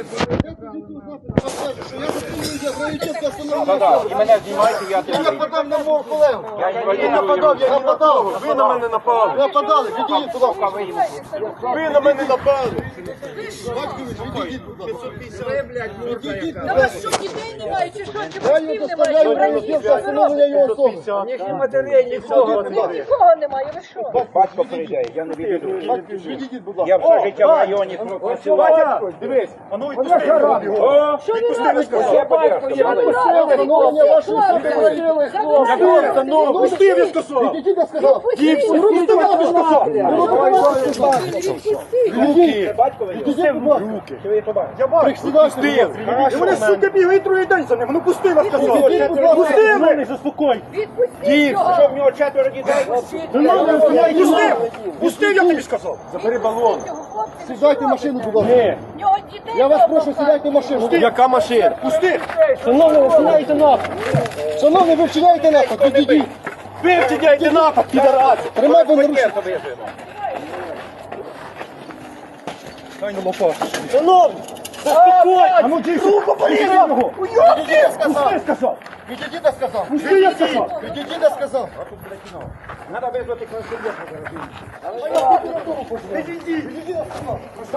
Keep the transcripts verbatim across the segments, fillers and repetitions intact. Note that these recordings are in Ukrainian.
І мене знімайте, я Я нападав на мого колегу. Я не нападав, я нападав. Ви на мене напали. Нападали, відійдіть, будь ласка. Ви на мене напали. Батькович, відійдіть, будь ласка. Відійдіть, будь Та ласка. вас що, дітей немає, чи що, чи Я батьків її немає, доставляю чи в братів, Міністерство що ви встановлення його особи. Їхні матері, нічого. Нікого немає, ви що? Батько прийде, я не відійду. Відійдіть, будь Я ласка. все життя в районі працював. Дивись, а ну відпусти його. Що ви робите? Я батько, я Встановлення вашої особи вродили, хлопці. Ну, пусти, я сказав. Відійдіть, я сказав. Відійдіть, я сказав. Відійдіть. Батько, Відійдіть, будь ласка. чи ви побачите? Я бачу, пусти. І вони, сука, бігають другий день за ним. Ну пусти, я сказав. Пусти мене, заспокой. Відпустіть його! Що в нього четверо дітей? Пусти. Пусти, я тобі сказав. Забери балон. Сідайте в машину, будь ласка. В нього дітей Я вас дома прошу, сідайте в машину. Яка машина? Пусти. Шановні, ви вчиняєте напад. Шановні, ви вчиняєте напад. Відійдіть. Ви вчиняєте напад, підарас. Тримайте на руці. Дай на лопату. Шановні. Заспокой. А ну дійсно. Руку порізав його. Відійдіть, я сказав. Пусти, сказав. Відійдіть, я сказав. Пусти, я сказав. Відійдіть, я сказав. Треба визвати консультанта. Відійдіть. Відійдіть, я сказав.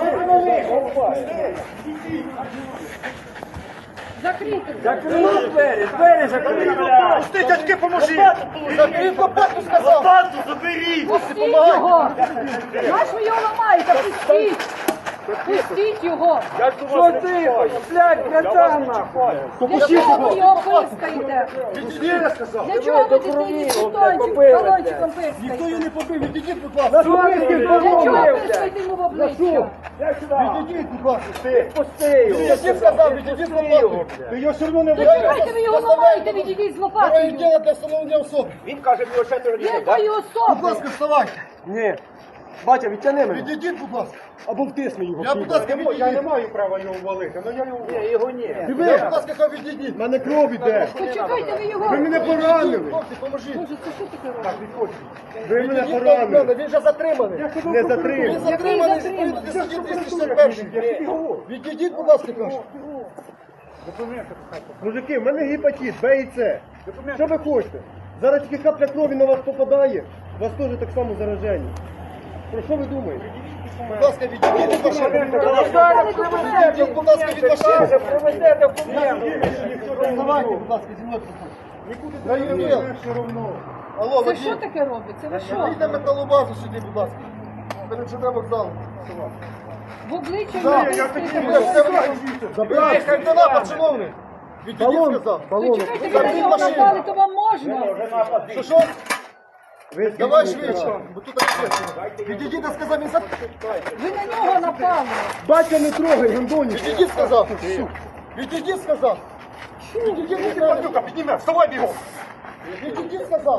закрити. Закрили двері, двері закрили. Пусти, дядьки, поможіть. Закрив лопату, сказав. Лопату заберіть. Пустіть його! Наш ви його ламаєте? Пустіть! Пустіть його! Що ти? Блядь, братана. Для чого ви його пискаєте? Відійдіть, я сказав. Для чого ви дитині балончик, балончиком пискаєте? Не побив, відійдіть, будь ласка. Для чого пискаєте йому в обличчя? Відійдіть, будь ласка. Пусти його. Я всім сказав, відійдіть, будь ласка. Ти його все одно не Чекайте, ви його ламаєте, відійдіть з Троє лопатою. діло для встановлення особи. Він каже, в нього четверо дітей. Якої Будь особи? ласка, вставайте. Ні. Батя, відтяни мене. Відійдіть, будь ласка. Або втисни його. Я, будь ласка, Я не відійдіть. маю права його ввалити, але я його Ні, його ні. Я, будь ласка, хай відійдіть. У мене кров іде. Почекайте, ви його... Ви мене поранили. Хлопці, поможіть. Боже, це що таке робить? Ви мене Відійдіть, поранили. він вже затриманий. Не Він затримав. затриманий, затриманий? відповідно до статті двісті сорок першої. Відійдіть, будь ласка, кажу. Мужики, в мене гепатит, Б і С. Що ви хочете? Зараз тільки капля крові на вас попадає. У вас теж так само заражені. Про що ви думаєте? Будь ласка, відійдіть від машини. Відійдіть, будь ласка, від машини. Привезе документи. Вставайте, будь ласка, зі мною. На ювіл. Алло, Це що водій. таке робиться? Ви що? Вийдіть на металобазу сюди, будь ласка. Перед ЖД вокзалом. В обличчя Так, йому я пискаєте? Забирайте. Це напад, шановний. Відійдіть, сказав. Ви чекайте, ви на нього напали, то вам можна? Що, що? Давай швидше, бо тут таке. Відійдіть, я сказав, він за... Ви на нього напали. Батя не трогай, гандоні. Відійдіть, сказав. Відійдіть, сказав. Відійдіть, сказав. Підніме, вставай бігом. Відійдіть, сказав.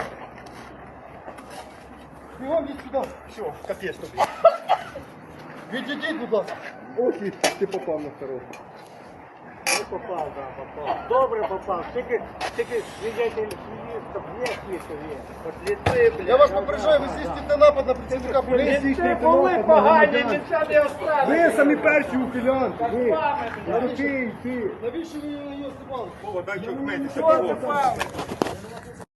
Бігом від сюди. Все, капець тобі. Відійдіть, будь ласка. Ох, і ти попав на второго. Попав, да, попав. Добре попав. Тільки, тільки свідетель свідків є, свідків є. От ліци, блядь. Я вас попереджаю, ви здійснюєте напад на працівника поліції. Це були погані, нічого не оставили. Ви самі перші ухилянки. Ви. А то ти, ти. Навіщо ви її знімали? Дай чого вмитися. Що попав?